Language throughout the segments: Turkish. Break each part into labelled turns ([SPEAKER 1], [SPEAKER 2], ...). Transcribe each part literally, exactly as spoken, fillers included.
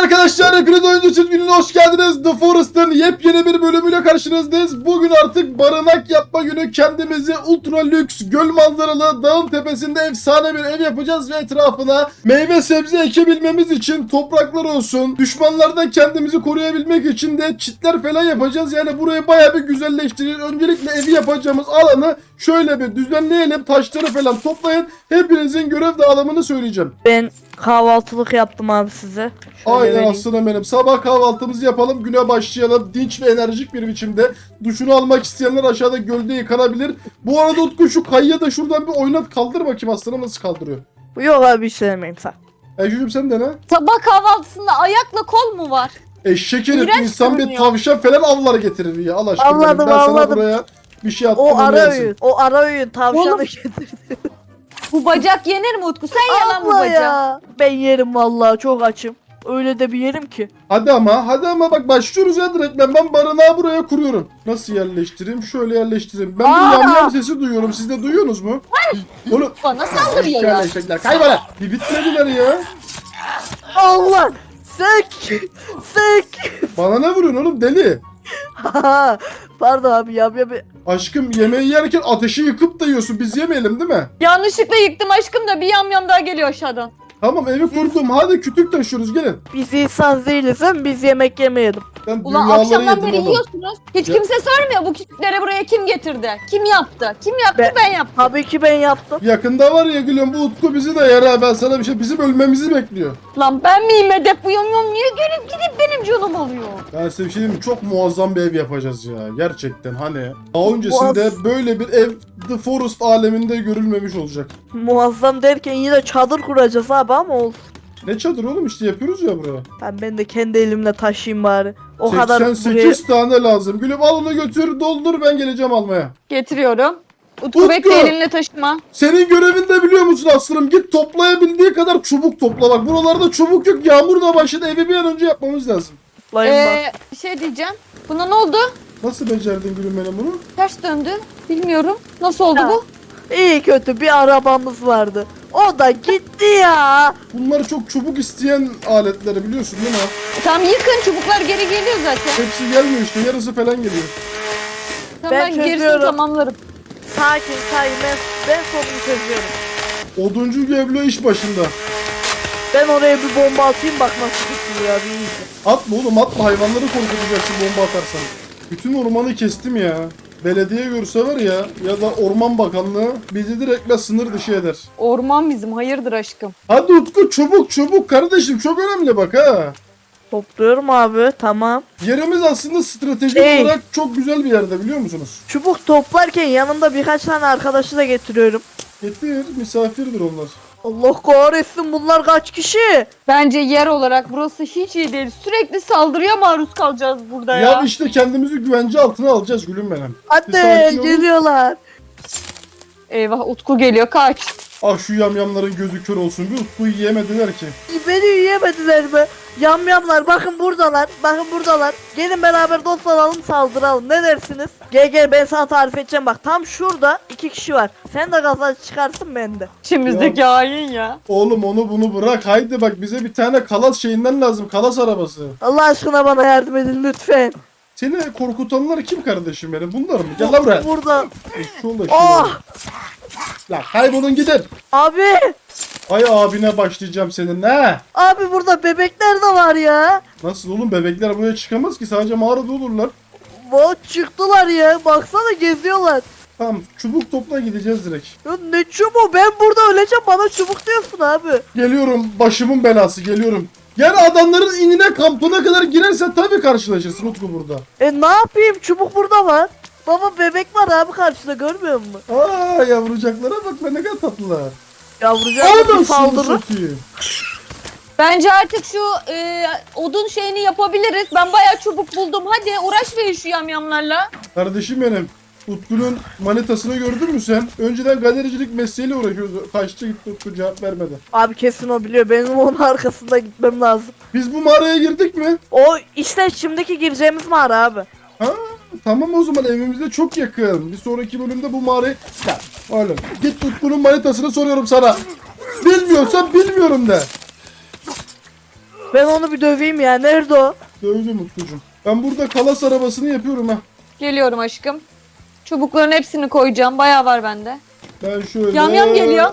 [SPEAKER 1] arkadaşlar, hepiniz oyuncu çizginin hoş geldiniz. The Forest'ın yepyeni bir bölümüyle karşınızdayız. Bugün artık barınak yapma günü. Kendimizi ultra lüks, göl manzaralı, dağın tepesinde efsane bir ev yapacağız ve etrafına meyve sebze ekebilmemiz için topraklar olsun. Düşmanlardan kendimizi koruyabilmek için de çitler falan yapacağız. Yani burayı bayağı bir güzelleştireceğiz. Öncelikle evi yapacağımız alanı şöyle bir düzenleyelim. Taşları falan toplayın. Hepinizin görev dağılımını söyleyeceğim.
[SPEAKER 2] Ben kahvaltılık yaptım abi size. Şöyle
[SPEAKER 1] Aynen
[SPEAKER 2] vereyim.
[SPEAKER 1] aslanım benim. Sabah kahvaltımızı yapalım. Güne başlayalım. Dinç ve enerjik bir biçimde. Duşunu almak isteyenler aşağıda gölde yıkanabilir. Bu arada Utku şu kayıya da şuradan bir oynat, kaldır bakayım aslanım nasıl kaldırıyor.
[SPEAKER 2] Yok abi hiç sevmeyeyim sen.
[SPEAKER 1] Ejücüm sen de ne?
[SPEAKER 3] Sabah kahvaltısında ayakla kol mu var?
[SPEAKER 1] Eşek herif,
[SPEAKER 3] İğrenç
[SPEAKER 1] insan bir
[SPEAKER 3] görünüyor.
[SPEAKER 1] tavşan falan avlar getirir ya. Allah aşkına.
[SPEAKER 2] Avladım,
[SPEAKER 1] benim. Ben sana
[SPEAKER 2] avladım.
[SPEAKER 1] buraya bir şey attım.
[SPEAKER 2] O
[SPEAKER 1] onu
[SPEAKER 2] ara
[SPEAKER 1] yersin.
[SPEAKER 2] öğün. O ara öğün tavşanı
[SPEAKER 3] Oğlum.
[SPEAKER 2] getirdi.
[SPEAKER 3] Bu bacak yenir mi Utku? Sen ye lan bu
[SPEAKER 2] Allah
[SPEAKER 3] bacağı.
[SPEAKER 2] ya. Ben yerim vallahi çok açım. Öyle de bir yerim ki.
[SPEAKER 1] Hadi ama hadi ama bak başlıyoruz ya direkt. Ben, ben barınağı buraya kuruyorum. Nasıl yerleştireyim? Şöyle yerleştireyim. Ben
[SPEAKER 3] Aa!
[SPEAKER 1] bir yamyam sesi duyuyorum. Siz de duyuyorsunuz mu? Oğlum.
[SPEAKER 3] Bana saldırıyor ya.
[SPEAKER 1] Şöyle eşekler. Kaybola. Bir bitmediler ya.
[SPEAKER 2] Allah. Sek. Sek.
[SPEAKER 1] Bana ne vuruyorsun oğlum deli?
[SPEAKER 2] Pardon abi ya. ya, ya.
[SPEAKER 1] Aşkım yemeği yerken ateşi yıkıp da yiyorsun. Biz yemeyelim değil mi?
[SPEAKER 3] Yanlışlıkla yıktım aşkım da bir yamyam daha geliyor aşağıdan.
[SPEAKER 1] Tamam evi kurdum. Hadi kütük taşıyoruz gelin.
[SPEAKER 2] Biz insan değiliz hem biz yemek yemeyelim.
[SPEAKER 1] Ben
[SPEAKER 3] Ulan
[SPEAKER 1] dünyaları
[SPEAKER 3] akşamdan
[SPEAKER 1] yedim
[SPEAKER 3] beri
[SPEAKER 1] oğlum.
[SPEAKER 3] yiyorsunuz. Hiç
[SPEAKER 1] Ya-
[SPEAKER 3] kimse sormuyor bu küçükleri buraya kim getirdi? Kim yaptı? Kim yaptı?
[SPEAKER 2] Ben-
[SPEAKER 3] Ben, yaptım.
[SPEAKER 2] Tabii ki ben yaptım.
[SPEAKER 1] Yakında var ya gülüm bu Utku bizi de yer ha. Ben sana bir şey, bizim ölmemizi bekliyor.
[SPEAKER 3] Lan ben miyim hedef bu yamyam? Niye gelip gidip benim canım alıyor?
[SPEAKER 1] Ben size bir şey diyeyim mi? Çok muazzam bir ev yapacağız ya. Gerçekten hani. Daha öncesinde
[SPEAKER 2] Muaz-
[SPEAKER 1] böyle bir ev The Forest aleminde görülmemiş olacak.
[SPEAKER 2] Muazzam derken yine çadır kuracağız abi ama olsun.
[SPEAKER 1] Ne çadır oğlum işte yapıyoruz ya buraya.
[SPEAKER 2] Ben, ben de kendi elimle taşıyayım bari. O kadar
[SPEAKER 1] seksen
[SPEAKER 2] buraya...
[SPEAKER 1] sekiz tane lazım. Gülüm al onu götür doldur ben geleceğim almaya.
[SPEAKER 3] Getiriyorum. Utku,
[SPEAKER 1] Utku!
[SPEAKER 3] bekle elinle taşıma.
[SPEAKER 1] Senin görevin de biliyor musun aslanım? Git toplayabildiği kadar çubuk topla. Bak buralarda çubuk yok. Yağmur da başladı. Evi bir an önce yapmamız lazım.
[SPEAKER 2] Layım bak.
[SPEAKER 3] Ee, bir şey diyeceğim. Buna ne oldu?
[SPEAKER 1] Nasıl becerdin gülüm benim bunu?
[SPEAKER 3] Ters döndü. Bilmiyorum. Nasıl oldu
[SPEAKER 2] Ha.
[SPEAKER 3] bu?
[SPEAKER 2] İyi kötü bir arabamız vardı. O da gitti ya.
[SPEAKER 1] Bunlar çok çubuk isteyen aletleri biliyorsun değil mi?
[SPEAKER 3] Tamam yıkın, çubuklar geri geliyor zaten.
[SPEAKER 1] Hepsi gelmiyor işte. Yarısı falan geliyor.
[SPEAKER 3] Tamam
[SPEAKER 2] Ben
[SPEAKER 3] ben, gerisini
[SPEAKER 2] çözüyorum.
[SPEAKER 3] tamamlarım.
[SPEAKER 2] Sakin sakin ben, ben sorunu çözüyorum.
[SPEAKER 1] Oduncu Geblo iş başında.
[SPEAKER 2] Ben oraya bir bomba atayım bak nasıl tutuluyor abi iyice.
[SPEAKER 1] Atma oğlum atma. Hayvanları korkutacaksın bomba atarsan. Bütün ormanı kestim ya. Belediye görse var ya ya da Orman Bakanlığı bizi direkt sınır dışı eder.
[SPEAKER 3] Orman bizim, hayırdır aşkım.
[SPEAKER 1] Hadi Utku çubuk çubuk kardeşim çok önemli bak ha.
[SPEAKER 2] Topluyorum abi tamam.
[SPEAKER 1] Yerimiz aslında stratejik
[SPEAKER 2] Ey.
[SPEAKER 1] olarak çok güzel bir yerde biliyor musunuz?
[SPEAKER 2] Çubuk toplarken yanımda birkaç tane arkadaşı da getiriyorum.
[SPEAKER 1] Getir misafirdir onlar.
[SPEAKER 2] Allah kahretsin bunlar kaç kişi?
[SPEAKER 3] Bence yer olarak burası hiç iyi değil. Sürekli saldırıya maruz kalacağız burada
[SPEAKER 1] Ya,
[SPEAKER 3] ya.
[SPEAKER 1] işte kendimizi güvence altına alacağız gülüm benim. Bir
[SPEAKER 2] Hadi
[SPEAKER 1] sakin olun.
[SPEAKER 2] geliyorlar.
[SPEAKER 3] Eyvah Utku geliyor, kaç.
[SPEAKER 1] Ah şu yamyamların gözü kör olsun bir Utku'yu yiyemediler ki.
[SPEAKER 2] Beni yiyemediler mi? Yamyamlar bakın buradalar. Bakın buradalar. Gelin beraber dost olalım saldıralım. Ne dersiniz? Gel gel ben sana tarif edeceğim bak. Tam şurada iki kişi var. Sen de gaza çıkarsın ben de.
[SPEAKER 3] İçimizdeki hain ya.
[SPEAKER 1] Oğlum onu bunu bırak haydi bak bize bir tane kalas şeyinden lazım kalas arabası.
[SPEAKER 2] Allah aşkına bana yardım edin lütfen.
[SPEAKER 1] Seni korkutanlar kim kardeşim benim bunlar mı? Gel lan buraya.
[SPEAKER 2] Burada.
[SPEAKER 1] Şu anda
[SPEAKER 2] Oh!
[SPEAKER 1] La kaybolun gidin.
[SPEAKER 2] Abi.
[SPEAKER 1] Ay abine başlayacağım senin ne?
[SPEAKER 2] Abi burada bebekler de var ya.
[SPEAKER 1] Nasıl oğlum bebekler buraya çıkamaz ki sadece mağarada olurlar.
[SPEAKER 2] Vay çıktılar ya. Baksana geziyorlar.
[SPEAKER 1] Tamam çubuk topla gideceğiz direkt.
[SPEAKER 2] Ya ne çubuğu ben burada öleceğim bana çubuk diyorsun abi.
[SPEAKER 1] Geliyorum başımın belası geliyorum. Yani adamların inine kampına kadar girersen tabii karşılaşırsın Utku burada.
[SPEAKER 2] E ne yapayım çubuk burada var. Baba bebek var abi karşıda görmüyor musun?
[SPEAKER 1] Aa yavrucaklara bak be ne kadar tatlılar.
[SPEAKER 2] Yavrucak bir
[SPEAKER 1] Anasını
[SPEAKER 2] saldırır.
[SPEAKER 1] satayım.
[SPEAKER 3] Bence artık şu e, odun şeyini yapabiliriz. Ben bayağı çubuk buldum. Hadi uğraş verin şu yamyamlarla.
[SPEAKER 1] Kardeşim benim. Utku'nun manitasını gördün mü sen? Önceden galericilik mesleğiyle uğraşıyordu. Kaçtı gitti Utku cevap vermedi.
[SPEAKER 2] Abi kesin o biliyor benim onun arkasında gitmem lazım.
[SPEAKER 1] Biz bu mağaraya girdik mi?
[SPEAKER 2] O işte şimdiki gireceğimiz mağara abi.
[SPEAKER 1] Ha tamam o zaman evimize çok yakın. Bir sonraki bölümde bu mağarayı... Ya oğlum git Utku'nun manitasını soruyorum sana. Bilmiyorsan bilmiyorum de.
[SPEAKER 2] Ben onu bir döveyim ya. Nerede o?
[SPEAKER 1] Dövdüm Utkucuğum. Ben burada kalas arabasını yapıyorum ha.
[SPEAKER 3] Geliyorum aşkım. Çubukların hepsini koyacağım. Bayağı var bende.
[SPEAKER 1] Ben şöyle...
[SPEAKER 3] Yam yam geliyor.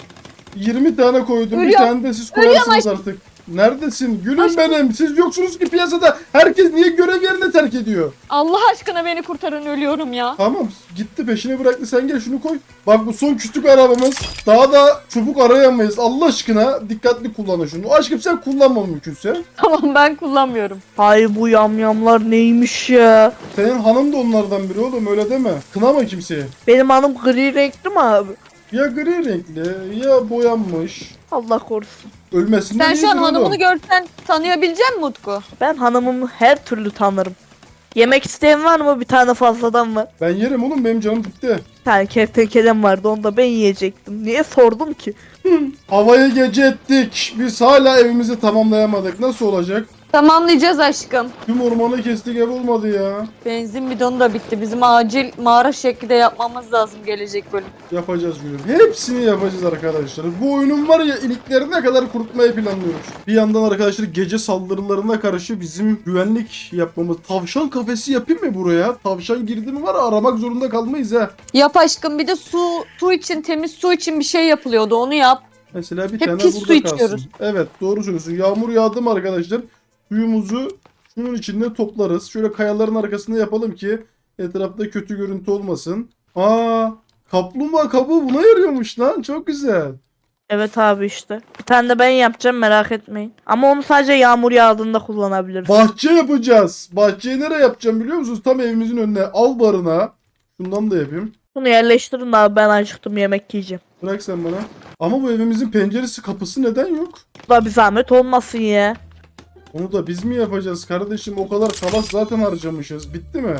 [SPEAKER 1] yirmi tane koydum. Bir
[SPEAKER 3] Ölüyorum.
[SPEAKER 1] tane de siz
[SPEAKER 3] Ölüyorum
[SPEAKER 1] koyarsınız artık. Neredesin? Gülüm
[SPEAKER 3] Aşkım.
[SPEAKER 1] benim. Siz yoksunuz ki piyasada. Herkes niye görev yerini terk ediyor?
[SPEAKER 3] Allah aşkına beni kurtarın, ölüyorum ya.
[SPEAKER 1] Tamam gitti peşine bıraktı, sen gel şunu koy. Bak bu son küçük arabamız. Daha da çubuk arayamayız. Allah aşkına dikkatli kullanın şunu. Aşkım sen kullanma mümkünse.
[SPEAKER 3] Tamam, ben kullanmıyorum.
[SPEAKER 2] Hay bu yamyamlar neymiş ya?
[SPEAKER 1] Senin hanım da onlardan biri oğlum, öyle deme. Kınama kimseyi.
[SPEAKER 2] Benim hanım gri renkli mi abi?
[SPEAKER 1] Ya gri renkli ya boyanmış.
[SPEAKER 2] Allah korusun.
[SPEAKER 1] Ölmesinden
[SPEAKER 3] Sen şu an
[SPEAKER 1] iyidir oğlum.
[SPEAKER 3] hanımını görsen tanıyabilecek misin Utku?
[SPEAKER 2] Ben hanımımı her türlü tanırım. Yemek isteyen var mı? Bir tane fazladan var.
[SPEAKER 1] Ben yerim oğlum, benim canım bitti.
[SPEAKER 2] Bir tane kertenkelem vardı, onu da ben yiyecektim. Niye sordum ki?
[SPEAKER 1] Havayı gece ettik. Biz hala evimizi tamamlayamadık. Nasıl olacak?
[SPEAKER 3] Tamamlayacağız aşkım.
[SPEAKER 1] Tüm ormanı kestik, ev olmadı ya.
[SPEAKER 3] Benzin bidonu da bitti. Bizim acil mağara şekli de yapmamız lazım gelecek bölüm.
[SPEAKER 1] Yapacağız gülüm. Hepsini yapacağız arkadaşlar. Bu oyunun var ya iliklerine kadar kurutmayı planlıyoruz. Bir yandan arkadaşlar gece saldırılarına karşı bizim güvenlik yapmamız. Tavşan kafesi yapayım mı buraya? Tavşan girdi mi var ya, aramak zorunda kalmayız ha.
[SPEAKER 3] Yap aşkım, bir de su su için, temiz su için bir şey yapılıyordu, onu yap.
[SPEAKER 1] Mesela bir
[SPEAKER 3] Hep
[SPEAKER 1] tane
[SPEAKER 3] pis
[SPEAKER 1] burada
[SPEAKER 3] su
[SPEAKER 1] kalsın.
[SPEAKER 3] içiyoruz.
[SPEAKER 1] Evet doğru söylüyorsun. Yağmur yağdı mı arkadaşlar? Suyumuzu şunun içinde toplarız. Şöyle kayaların arkasında yapalım ki etrafta kötü görüntü olmasın. Aa, kaplumbağa kabuğu buna yarıyormuş lan. Çok güzel.
[SPEAKER 2] Evet abi işte. Bir tane de ben yapacağım, merak etmeyin. Ama onu sadece yağmur yağdığında kullanabiliriz.
[SPEAKER 1] Bahçe yapacağız. Bahçeyi nereye yapacağım biliyor musunuz? Tam evimizin önüne. Al barına. Şundan da yapayım.
[SPEAKER 2] Bunu yerleştirin abi, ben acıktım, yemek yiyeceğim.
[SPEAKER 1] Bırak sen bana. Ama bu evimizin penceresi kapısı neden yok?
[SPEAKER 2] Bu da bir zahmet olmasın ya.
[SPEAKER 1] Onu da biz mi yapacağız kardeşim? O kadar kalas zaten harcamışız. Bitti mi?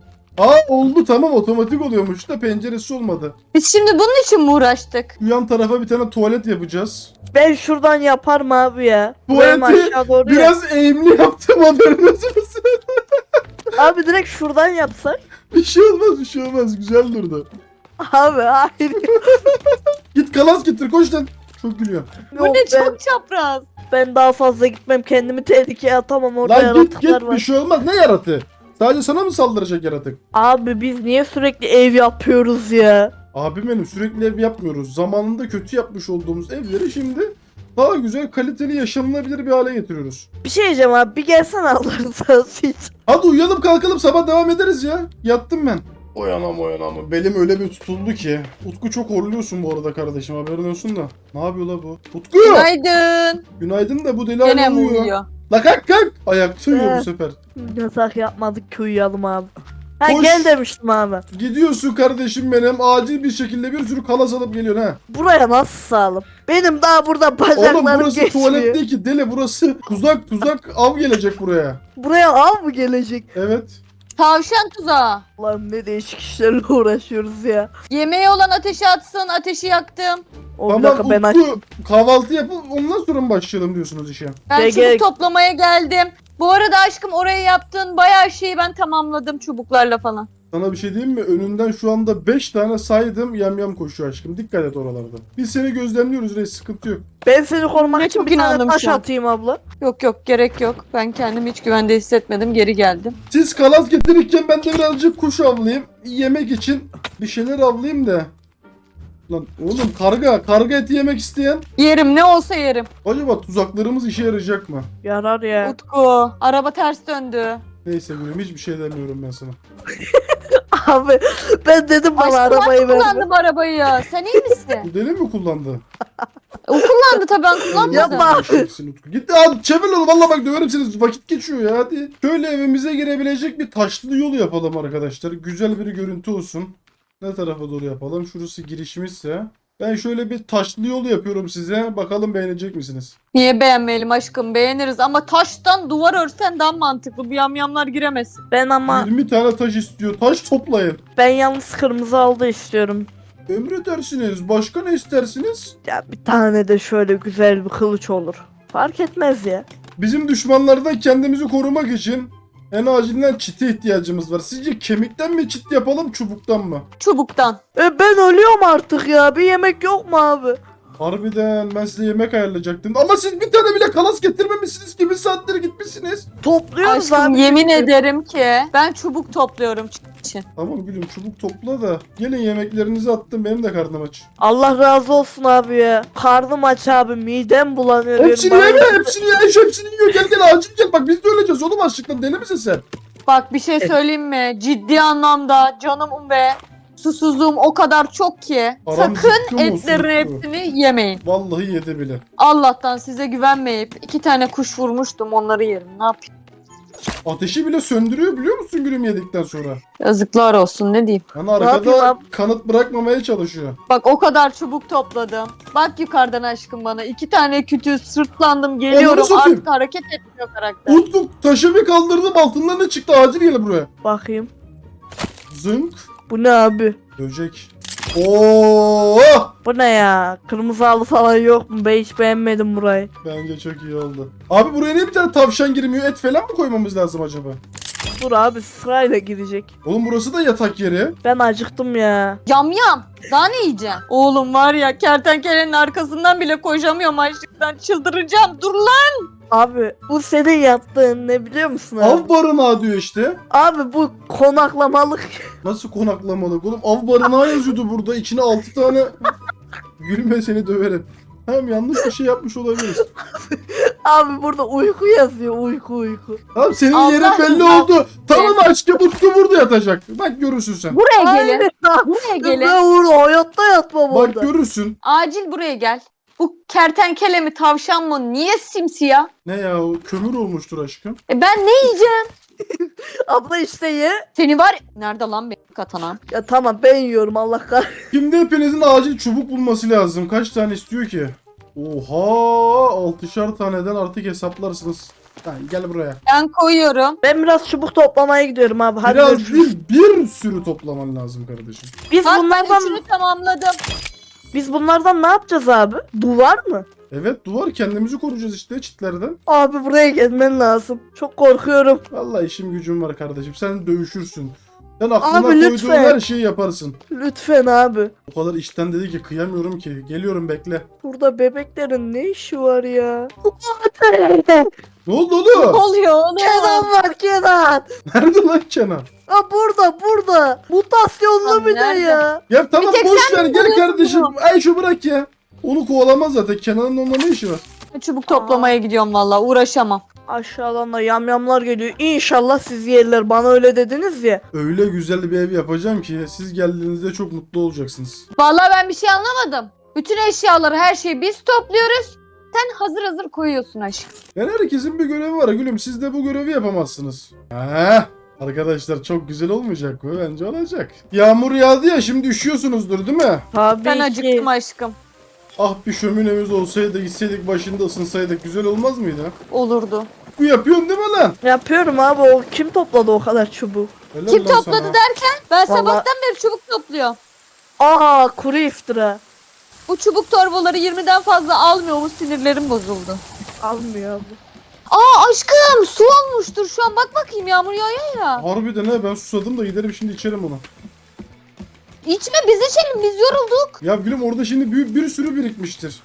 [SPEAKER 1] Aa oldu, tamam, otomatik oluyormuş da penceresi olmadı.
[SPEAKER 3] Biz şimdi bunun için mi uğraştık?
[SPEAKER 1] Şu yan tarafa bir tane tuvalet yapacağız.
[SPEAKER 2] Ben şuradan yaparım abi ya.
[SPEAKER 1] Tuvaleti
[SPEAKER 2] Buraya aşağı doğru yap.
[SPEAKER 1] Biraz eğimli yaptım, haberiniz olsun.
[SPEAKER 2] Abi direkt şuradan yapsak.
[SPEAKER 1] Bir şey olmaz, bir şey olmaz. Güzel durdu.
[SPEAKER 2] Abi hayır.
[SPEAKER 1] Git kalas getir, koş lan. Çok gülüyor.
[SPEAKER 3] Bu
[SPEAKER 2] Yok,
[SPEAKER 3] ne
[SPEAKER 2] ben,
[SPEAKER 3] çok çapraz.
[SPEAKER 2] ben daha fazla gitmem, kendimi tehlikeye atamam, orada
[SPEAKER 1] Lan git
[SPEAKER 2] yaratıklar
[SPEAKER 1] git,
[SPEAKER 2] var.
[SPEAKER 1] bir şey olmaz. Ne yaratı? Sadece sana mı saldıracak yaratık?
[SPEAKER 2] Abi biz niye sürekli ev yapıyoruz ya?
[SPEAKER 1] Abi benim sürekli ev yapmıyoruz. Zamanında kötü yapmış olduğumuz evleri şimdi daha güzel, kaliteli, yaşanılabilir bir hale getiriyoruz.
[SPEAKER 2] Bir şey diyeceğim abi, bir gelsene Allah'ın sağlığı için.
[SPEAKER 1] Hadi uyuyalım kalkalım, sabah devam ederiz ya. Yattım ben. Oyanam oyanam. Belim öyle bir tutuldu ki. Utku çok horluyorsun bu arada kardeşim, haberin olsun da. Ne yapıyor la bu? Utku!
[SPEAKER 3] Günaydın.
[SPEAKER 1] Günaydın da bu deli
[SPEAKER 3] Gene
[SPEAKER 1] hala
[SPEAKER 3] mi
[SPEAKER 1] uyuyor.
[SPEAKER 3] uyuyor?
[SPEAKER 1] La kalk kalk. Ayakta uyuyor bu
[SPEAKER 2] Evet.
[SPEAKER 1] sefer.
[SPEAKER 2] Yasak yapmadık ki, uyuyalım abi. Ha
[SPEAKER 1] Koş.
[SPEAKER 2] gel demiştim abi.
[SPEAKER 1] Gidiyorsun kardeşim benim. Acil bir şekilde bir sürü kalas alıp geliyorsun ha.
[SPEAKER 2] Buraya nasıl sağlam? Benim daha burada
[SPEAKER 1] Oğlum
[SPEAKER 2] bacaklarım
[SPEAKER 1] burası
[SPEAKER 2] geçmiyor.
[SPEAKER 1] tuvalet değil ki deli, burası tuzak tuzak, av gelecek buraya.
[SPEAKER 2] Buraya av mı gelecek?
[SPEAKER 1] Evet.
[SPEAKER 3] Tavşan tuzağı.
[SPEAKER 2] Lan ne değişik işlerle uğraşıyoruz ya.
[SPEAKER 3] Yemeği olan ateşe atsın, ateşi yaktım.
[SPEAKER 2] O bir dakika, ben
[SPEAKER 1] Tamam
[SPEAKER 2] aç.
[SPEAKER 1] Utku, kahvaltı yapıp ondan sonra mı başlayalım diyorsunuz işe?
[SPEAKER 3] Ben
[SPEAKER 2] Gel,
[SPEAKER 3] çubuk
[SPEAKER 2] gel.
[SPEAKER 3] toplamaya geldim. Bu arada aşkım, oraya yaptığın bayağı şeyi ben tamamladım çubuklarla falan.
[SPEAKER 1] Sana bir şey diyeyim mi? Önünden şu anda beş tane saydım, yamyam koşuyor aşkım. Dikkat et oralarda. Biz seni gözlemliyoruz reis, sıkıntı yok.
[SPEAKER 2] Ben seni korumak
[SPEAKER 3] Ne
[SPEAKER 2] için
[SPEAKER 3] çok
[SPEAKER 2] bir tane
[SPEAKER 3] inandım
[SPEAKER 2] taş
[SPEAKER 3] şu an.
[SPEAKER 2] atayım abla.
[SPEAKER 3] Yok yok, gerek yok. Ben kendimi hiç güvende hissetmedim, geri geldim.
[SPEAKER 1] Siz kalas getirirken ben de birazcık kuş avlayayım. Yemek için bir şeyler avlayayım da. Lan oğlum, karga, karga eti yemek isteyen.
[SPEAKER 3] Yerim, ne olsa yerim.
[SPEAKER 1] Acaba tuzaklarımız işe yarayacak mı?
[SPEAKER 2] Yarar ya.
[SPEAKER 3] Utku, araba ters döndü.
[SPEAKER 1] Neyse gülüm, hiçbir şey demiyorum ben sana.
[SPEAKER 2] Abi ben dedim bana
[SPEAKER 3] Aşkım,
[SPEAKER 2] arabayı
[SPEAKER 3] ben
[SPEAKER 2] ver.
[SPEAKER 3] kullandım arabayı ya. Sen iyi misin?
[SPEAKER 1] Bu deli mi kullandı?
[SPEAKER 3] O kullandı tabii, ben kullanmadım.
[SPEAKER 2] Yapma.
[SPEAKER 1] Eşeksin Utku. Git abi, çevir onu, valla bak döverim seni, vakit geçiyor ya, hadi. Şöyle evimize girebilecek bir taşlı yol yapalım arkadaşlar. Güzel bir görüntü olsun. Ne tarafa doğru yapalım? Şurası girişimizse. Ben şöyle bir taşlı yol yapıyorum size. Bakalım beğenecek misiniz?
[SPEAKER 3] Niye beğenmeyelim aşkım, beğeniriz ama taştan duvar örsen daha mantıklı. Bu yamyamlar giremesin.
[SPEAKER 2] Ben ama
[SPEAKER 1] yirmi tane taş istiyor. Taş toplayın.
[SPEAKER 2] ben yalnız kırmızı aldı istiyorum.
[SPEAKER 1] Emredersiniz. Başka ne istersiniz?
[SPEAKER 2] Ya bir tane de şöyle güzel bir kılıç olur. Fark etmez ya.
[SPEAKER 1] Bizim düşmanlardan kendimizi korumak için en acilinden çite ihtiyacımız var. Sizce kemikten mi çit yapalım, çubuktan mı?
[SPEAKER 3] Çubuktan.
[SPEAKER 2] E ben ölüyorum artık ya. Bir yemek yok mu abi?
[SPEAKER 1] Harbiden ben size yemek ayarlayacaktım. Ama siz bir tane bile kalas getirmemişsiniz ki. Bir saattir gitmişsiniz.
[SPEAKER 2] Topluyoruz
[SPEAKER 3] Aşkım
[SPEAKER 2] abi.
[SPEAKER 3] yemin ederim ki ben çubuk topluyorum için.
[SPEAKER 1] Tamam gülüm çubuk topla da. Gelin yemeklerinizi attım. Benim de karnım aç.
[SPEAKER 2] Allah razı olsun abi ya. Karnım aç abi. Midem bulanıyor.
[SPEAKER 1] Hepsini
[SPEAKER 2] benim.
[SPEAKER 1] yeme, hepsini ye, şu hepsini yiyor. Gel gel acil gel. Bak biz de öleceğiz oğlum açlıktan. Deli misin sen?
[SPEAKER 3] Bak bir şey söyleyeyim mi? Ciddi anlamda canım ve susuzluğum o kadar çok ki.
[SPEAKER 1] Aram
[SPEAKER 3] Sakın
[SPEAKER 1] zıkkım olsun,
[SPEAKER 3] etlerin
[SPEAKER 1] zıkkım.
[SPEAKER 3] hepsini yemeyin.
[SPEAKER 1] Vallahi yedi bile.
[SPEAKER 3] Allah'tan size güvenmeyip iki tane kuş vurmuştum, onları yerim. Ne yapayım?
[SPEAKER 1] Ateşi bile söndürüyor biliyor musun gülüm yedikten sonra?
[SPEAKER 3] Yazıklar olsun, ne diyeyim.
[SPEAKER 1] Hani
[SPEAKER 2] yapayım
[SPEAKER 1] arkada
[SPEAKER 2] abi?
[SPEAKER 1] kanıt bırakmamaya çalışıyor.
[SPEAKER 3] Bak o kadar çubuk topladım. Bak yukarıdan aşkım bana. iki tane kütüğü sırtlandım geliyorum.
[SPEAKER 1] satayım.
[SPEAKER 3] Artık hareket etmiyor karakter.
[SPEAKER 1] Utku taşı bir kaldırdım altından ne çıktı acil gel buraya.
[SPEAKER 2] Bakayım.
[SPEAKER 1] Zınk.
[SPEAKER 2] Bu ne abi?
[SPEAKER 1] Böcek. Oo!
[SPEAKER 2] Bu ne ya? Kırmızı halı falan yok mu? Ben hiç beğenmedim burayı.
[SPEAKER 1] Bence çok iyi oldu. Abi buraya niye bir tane tavşan girmiyor? Et falan mı koymamız lazım acaba?
[SPEAKER 2] Dur abi sırayla girecek.
[SPEAKER 1] Oğlum burası da yatak yeri.
[SPEAKER 2] Ben acıktım ya.
[SPEAKER 3] Yam yam. Daha ne yiyeceğim? Oğlum var ya, kertenkelenin arkasından bile koşamıyorum açlıktan. Çıldıracağım. Dur lan.
[SPEAKER 2] Abi bu senin yaptığın ne biliyor musun abi?
[SPEAKER 1] Av barınağı diyor işte.
[SPEAKER 2] Abi bu konaklamalık.
[SPEAKER 1] Nasıl konaklamalık oğlum? Av barınağı yazıyordu burada. İçine altı tane... Gülme seni döverim. Hem yanlış bir şey yapmış olabiliriz.
[SPEAKER 2] Abi burada uyku yazıyor. Uyku uyku.
[SPEAKER 1] Abi senin
[SPEAKER 3] Allah
[SPEAKER 1] yerin belli
[SPEAKER 3] rızası
[SPEAKER 1] oldu. Tamam aşkım Utku burada yatacak. Bak görürsün sen.
[SPEAKER 3] Buraya gelin.
[SPEAKER 2] Aynen abi.
[SPEAKER 3] Buraya gelin.
[SPEAKER 2] Ben orada hayatta yatmam
[SPEAKER 1] Bak
[SPEAKER 2] orada.
[SPEAKER 1] görürsün.
[SPEAKER 3] Acil buraya gel. Bu kertenkele mi tavşan mı? Niye simsiyah?
[SPEAKER 1] Ne ya o kömür olmuştur aşkım.
[SPEAKER 3] E ben ne yiyeceğim?
[SPEAKER 2] Abla işte ye.
[SPEAKER 3] Seni var. Nerede lan benim katanan?
[SPEAKER 2] Ya tamam ben yiyorum Allah kahretsin.
[SPEAKER 1] Şimdi hepinizin acil çubuk bulması lazım. Kaç tane istiyor ki? Oha! Altışar taneden artık hesaplarsınız. Ha, gel buraya.
[SPEAKER 3] Ben koyuyorum.
[SPEAKER 2] Ben biraz çubuk toplamaya gidiyorum abi. Hadi
[SPEAKER 1] Biraz
[SPEAKER 2] görüşürüz.
[SPEAKER 1] bir, bir sürü toplaman lazım kardeşim.
[SPEAKER 2] Biz
[SPEAKER 3] Bak ben
[SPEAKER 2] bunlardan
[SPEAKER 3] üçünü tamamladım.
[SPEAKER 2] biz bunlardan ne yapacağız abi? Duvar mı?
[SPEAKER 1] Evet duvar kendimizi koruyacağız işte çitlerden.
[SPEAKER 2] Abi buraya gelmen lazım. Çok korkuyorum.
[SPEAKER 1] Vallahi işim gücüm var kardeşim. Sen dövüşürsün. Sen aklına
[SPEAKER 2] Abi,
[SPEAKER 1] koyduğun
[SPEAKER 2] lütfen.
[SPEAKER 1] her şeyi yaparsın.
[SPEAKER 2] Lütfen abi.
[SPEAKER 1] O kadar işten dedi ki kıyamıyorum ki. Geliyorum bekle.
[SPEAKER 2] Burada bebeklerin ne işi var ya?
[SPEAKER 1] Ne oldu
[SPEAKER 3] Ne
[SPEAKER 1] oğlum?
[SPEAKER 3] oluyor oğlum?
[SPEAKER 2] Kenan var Kenan.
[SPEAKER 1] Nerede lan Kenan?
[SPEAKER 2] Ha burada burada. Mutasyonlu
[SPEAKER 3] Abi
[SPEAKER 2] bir de
[SPEAKER 3] nerede?
[SPEAKER 2] ya.
[SPEAKER 1] Ya tamam
[SPEAKER 3] Bir tek
[SPEAKER 1] boş
[SPEAKER 3] sen
[SPEAKER 1] ver
[SPEAKER 3] mi
[SPEAKER 1] gel
[SPEAKER 3] buluyorsun
[SPEAKER 1] kardeşim.
[SPEAKER 3] bunu?
[SPEAKER 1] Ayşe bırak ya. Onu kovalamaz zaten. Kenan'ın onunla ne işi var?
[SPEAKER 3] Çubuk toplamaya gidiyorum valla, uğraşamam.
[SPEAKER 2] Aşağıdan da yamyamlar geliyor. İnşallah siz yerler. Bana öyle dediniz ya.
[SPEAKER 1] Öyle güzel bir ev yapacağım ki siz geldiğinizde çok mutlu olacaksınız.
[SPEAKER 3] Valla ben bir şey anlamadım. Bütün eşyaları, her şeyi biz topluyoruz. Sen hazır hazır koyuyorsun aşkım.
[SPEAKER 1] Yani herkesin bir görevi var gülüm. Siz de bu görevi yapamazsınız. Heh. Arkadaşlar çok güzel olmayacak mı? Bence olacak. Yağmur yağdı ya şimdi üşüyorsunuzdur değil mi?
[SPEAKER 2] Tabii
[SPEAKER 3] Ben
[SPEAKER 2] ki.
[SPEAKER 3] acıktım aşkım.
[SPEAKER 1] Ah bir şöminemiz olsaydı gitseydik başında ısınsaydık güzel olmaz mıydı?
[SPEAKER 3] Olurdu.
[SPEAKER 1] Bu yapıyorsun değil mi lan?
[SPEAKER 2] Yapıyorum abi. O kim topladı o kadar çubuğu?
[SPEAKER 1] Helal
[SPEAKER 3] Kim
[SPEAKER 1] lan
[SPEAKER 3] topladı
[SPEAKER 1] sana.
[SPEAKER 3] derken ben
[SPEAKER 2] Vallahi-
[SPEAKER 3] sabahtan beri çubuk topluyorum.
[SPEAKER 2] Aa kuru iftira.
[SPEAKER 3] Bu çubuk torbaları yirmiden fazla almıyor, bu sinirlerim bozuldu.
[SPEAKER 2] Almıyor abi.
[SPEAKER 3] Aa aşkım su olmuştur şu an, bak bakayım yağmur yağıyor ya.
[SPEAKER 1] Harbiden he ben susadım da giderim şimdi içerim onu.
[SPEAKER 3] İçme, biz içelim, biz yorulduk.
[SPEAKER 1] Ya gülüm orada şimdi bir, bir sürü birikmiştir.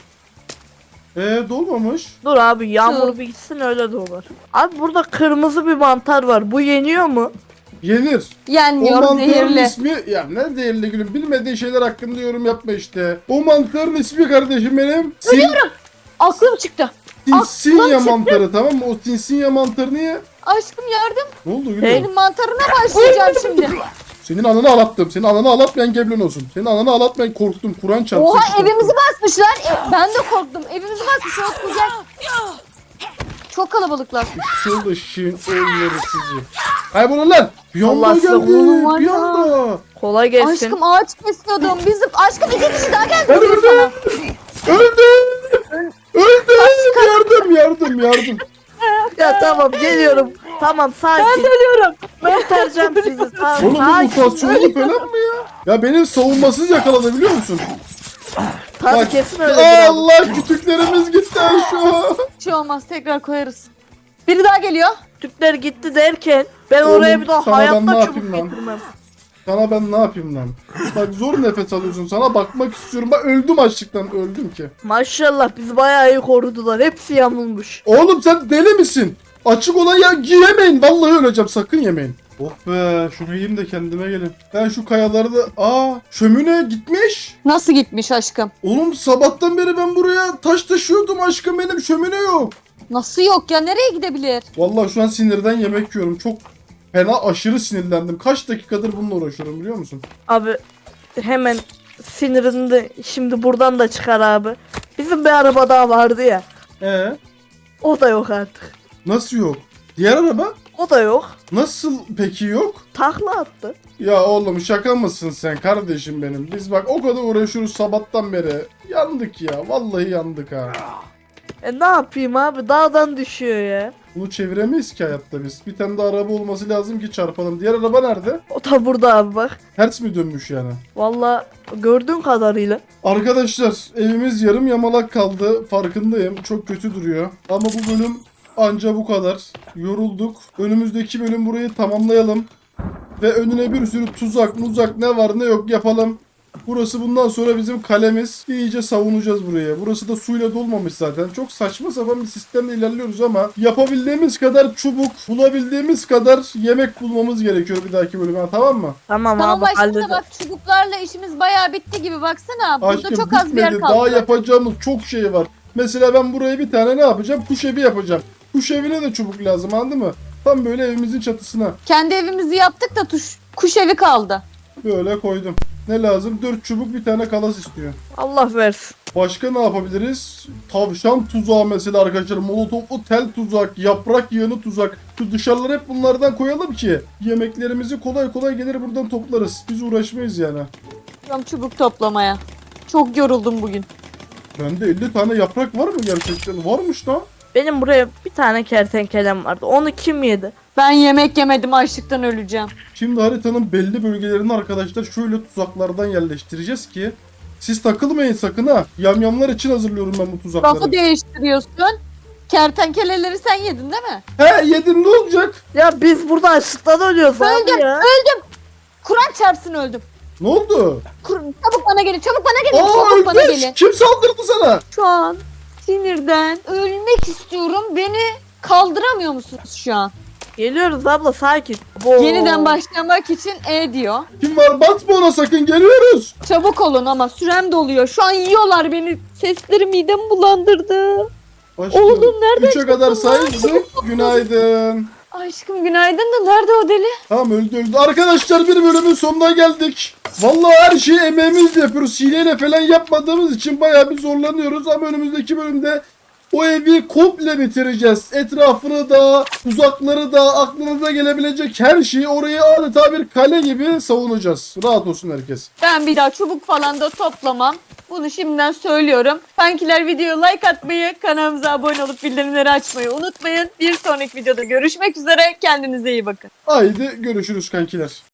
[SPEAKER 1] Eee dolmamış.
[SPEAKER 2] Dur abi yağmur
[SPEAKER 3] Su.
[SPEAKER 2] bir gitsin öyle de olur. Abi burada kırmızı bir mantar var. Bu yeniyor mu?
[SPEAKER 1] Yenir. O
[SPEAKER 3] Yenmiyor,
[SPEAKER 1] mantarın
[SPEAKER 3] zehirli.
[SPEAKER 1] ismi ya ne zehirli gülüm bilmediğin şeyler hakkında yorum yapma işte. O mantarın ismi kardeşim benim. Sin,
[SPEAKER 3] Aklım çıktı.
[SPEAKER 1] Sinsinya
[SPEAKER 3] aklım çıktı.
[SPEAKER 1] mantarı tamam mı? O sinsinya mantarını ye.
[SPEAKER 3] Aşkım yardım.
[SPEAKER 1] Ne oldu gülüm?
[SPEAKER 3] Benim mantarına başlayacağım şimdi.
[SPEAKER 1] Senin ananı ağlattım. Senin ananı ağlatmayan geblen olsun. Senin ananı ağlatmayan korktum. Kur'an çarpsın.
[SPEAKER 3] Oha
[SPEAKER 1] korktum.
[SPEAKER 3] evimizi basmışlar. E, ben de korktum. Evimizi basmış. Yok gel. Çok kalabalıklar.
[SPEAKER 1] Şurada şirin oğulları sizi. Kaybolun lan. Bir anda
[SPEAKER 2] Allah size
[SPEAKER 1] geldi.
[SPEAKER 3] oğlum var
[SPEAKER 1] Bir
[SPEAKER 3] ya.
[SPEAKER 1] anda.
[SPEAKER 2] Kolay gelsin.
[SPEAKER 3] Aşkım ağaç kesiyordum. Bizim aşkım iki kişi daha geldi.
[SPEAKER 1] Ben
[SPEAKER 3] diyor sana.
[SPEAKER 1] Öldüm. Öldüm. Yardım yardım yardım.
[SPEAKER 2] Ya tamam geliyorum. Tamam sakin.
[SPEAKER 3] Ben de ölüyorum.
[SPEAKER 2] Kurtaracağım sizi. Tamam
[SPEAKER 1] Oğlum bu
[SPEAKER 2] sakin.
[SPEAKER 1] mutasyonlu falan mı ya? Ya beni savunmasız yakaladı biliyor musun?
[SPEAKER 2] Tabii
[SPEAKER 1] Bak,
[SPEAKER 2] kesin öyle. abi.
[SPEAKER 1] Allah kütüklerimiz gitti şu.
[SPEAKER 3] Bir şey olmaz, tekrar koyarız. Biri daha geliyor.
[SPEAKER 2] Türkler gitti derken ben
[SPEAKER 1] Oğlum,
[SPEAKER 2] oraya bir daha
[SPEAKER 1] sana ben ne
[SPEAKER 2] hayatta
[SPEAKER 1] yapayım
[SPEAKER 2] çubuk
[SPEAKER 1] lan?
[SPEAKER 2] getirmem.
[SPEAKER 1] Sana ben ne yapayım lan? Bak zor nefes alıyorsun. Sana bakmak istiyorum. Bak öldüm açlıktan. Öldüm ki.
[SPEAKER 2] Maşallah bizi bayağı iyi korudular. Hepsi yamulmuş.
[SPEAKER 1] Oğlum sen deli misin? Açık olan ya giyemeyin. Vallahi öleceğim. Sakın yemeyin. Oh be şunu yiyeyim de kendime gelin. Ben şu kayaları da... Aa şömine gitmiş.
[SPEAKER 3] Nasıl gitmiş aşkım?
[SPEAKER 1] Oğlum sabahtan beri ben buraya taş taşıyordum aşkım benim şömine yok.
[SPEAKER 3] Nasıl yok ya? Nereye gidebilir?
[SPEAKER 1] Vallahi şu an sinirden yemek yiyorum. Çok fena aşırı sinirlendim. Kaç dakikadır bununla uğraşıyorum biliyor musun?
[SPEAKER 2] Abi hemen sinirini de şimdi buradan da çıkar abi. Bizim bir araba daha vardı ya.
[SPEAKER 1] Ee
[SPEAKER 2] O da yok artık.
[SPEAKER 1] nasıl yok? Diğer araba?
[SPEAKER 2] O da yok.
[SPEAKER 1] Nasıl peki yok?
[SPEAKER 2] Takla attı.
[SPEAKER 1] Ya oğlum şaka mısın sen kardeşim benim? Biz bak o kadar uğraşıyoruz sabahtan beri. Yandık ya. Vallahi yandık ha.
[SPEAKER 2] E ne yapayım abi, dağdan düşüyor ya.
[SPEAKER 1] Bunu çeviremeyiz ki hayatta biz. Bir tane de araba olması lazım ki çarpalım. Diğer araba nerede?
[SPEAKER 2] O da burada abi bak.
[SPEAKER 1] Ters mi dönmüş yani?
[SPEAKER 2] Valla gördüğün kadarıyla.
[SPEAKER 1] Arkadaşlar evimiz yarım yamalak kaldı. Farkındayım. Çok kötü duruyor. Ama bu bölüm anca bu kadar. Yorulduk. Önümüzdeki bölüm burayı tamamlayalım. Ve önüne bir sürü tuzak muzak ne var ne yok yapalım. Burası bundan sonra bizim kalemiz. İyice savunacağız buraya. Burası da suyla dolmamış zaten. Çok saçma sapan bir sistemle ilerliyoruz ama yapabildiğimiz kadar çubuk, bulabildiğimiz kadar yemek bulmamız gerekiyor bir dahaki bölüme. Tamam mı?
[SPEAKER 2] Tamam,
[SPEAKER 3] Tamam
[SPEAKER 2] abi
[SPEAKER 3] aşkım da
[SPEAKER 2] hallederiz.
[SPEAKER 3] bak çubuklarla işimiz bayağı bitti gibi baksana. Burada
[SPEAKER 1] Aşkım
[SPEAKER 3] çok az bir yer
[SPEAKER 1] bitmedi.
[SPEAKER 3] kaldı.
[SPEAKER 1] Daha yapacağımız çok şey var. Mesela ben buraya bir tane ne yapacağım? Kuş evi yapacağım. Kuş evine de çubuk lazım anladın mı? Tam böyle evimizin çatısına.
[SPEAKER 3] Kendi evimizi yaptık da tuş, kuş evi kaldı.
[SPEAKER 1] Böyle koydum. Ne lazım? Dört çubuk bir tane kalas istiyor.
[SPEAKER 2] Allah versin.
[SPEAKER 1] Başka ne yapabiliriz? Tavşan tuzağı mesela arkadaşlar. Molotoflu tel tuzak, yaprak yığını tuzak. Şu dışarıları hep bunlardan koyalım ki yemeklerimizi kolay kolay gelir buradan toplarız. Biz uğraşmayız yani.
[SPEAKER 3] Tam çubuk toplamaya. Çok yoruldum bugün.
[SPEAKER 1] Bende elli tane yaprak var mı gerçekten? Varmış lan.
[SPEAKER 2] Benim buraya bir tane kertenkelem vardı. Onu kim yedi?
[SPEAKER 3] Ben yemek yemedim, açlıktan öleceğim.
[SPEAKER 1] Şimdi haritanın belli bölgelerini arkadaşlar şöyle tuzaklardan yerleştireceğiz ki siz takılmayın sakın ha. Yamyamlar için hazırlıyorum ben bu tuzakları.
[SPEAKER 3] Lafı değiştiriyorsun. Kertenkeleleri sen yedin değil mi?
[SPEAKER 1] He yedim ne olacak?
[SPEAKER 2] Ya biz burada açlıktan ölüyoruz abi
[SPEAKER 3] Öldüm,
[SPEAKER 2] ya.
[SPEAKER 3] öldüm. Kur'an çarpsın öldüm.
[SPEAKER 1] Ne oldu?
[SPEAKER 3] Kur çabuk bana gelin, çabuk bana gelin,
[SPEAKER 1] Aa
[SPEAKER 3] çabuk bana
[SPEAKER 1] ölmüş.
[SPEAKER 3] gelin.
[SPEAKER 1] Kim saldırdı sana?
[SPEAKER 3] Şu an sinirden ölmek istiyorum. Beni kaldıramıyor musunuz şu an?
[SPEAKER 2] Geliyoruz abla, sakin. Oo.
[SPEAKER 3] Yeniden başlamak için E diyor.
[SPEAKER 1] Kim var? Basma ona sakın geliyoruz.
[SPEAKER 3] Çabuk olun ama sürem doluyor. Şu an yiyorlar beni. Sesleri midemi bulandırdı.
[SPEAKER 1] Aşkım,
[SPEAKER 3] Oğlum nereden
[SPEAKER 1] üçe kadar
[SPEAKER 3] çıktın lan?
[SPEAKER 1] saydık. Günaydın.
[SPEAKER 3] Aşkım günaydın da nerede o deli?
[SPEAKER 1] Tamam öldü öldü. Arkadaşlar bir bölümün sonuna geldik. Vallahi her şeyi emeğimizle yapıyoruz. Hileyle falan yapmadığımız için bayağı bir zorlanıyoruz. Ama önümüzdeki bölümde o evi komple bitireceğiz. Etrafını da, uzakları da, aklınıza gelebilecek her şeyi orayı adeta bir kale gibi savunacağız. Rahat olsun herkes.
[SPEAKER 3] Ben bir daha çubuk falan da toplamam. Bunu şimdiden söylüyorum. Kankiler videoya like atmayı, kanalımıza abone olup bildirimleri açmayı unutmayın. Bir sonraki videoda görüşmek üzere. Kendinize iyi bakın.
[SPEAKER 1] Haydi görüşürüz kankiler.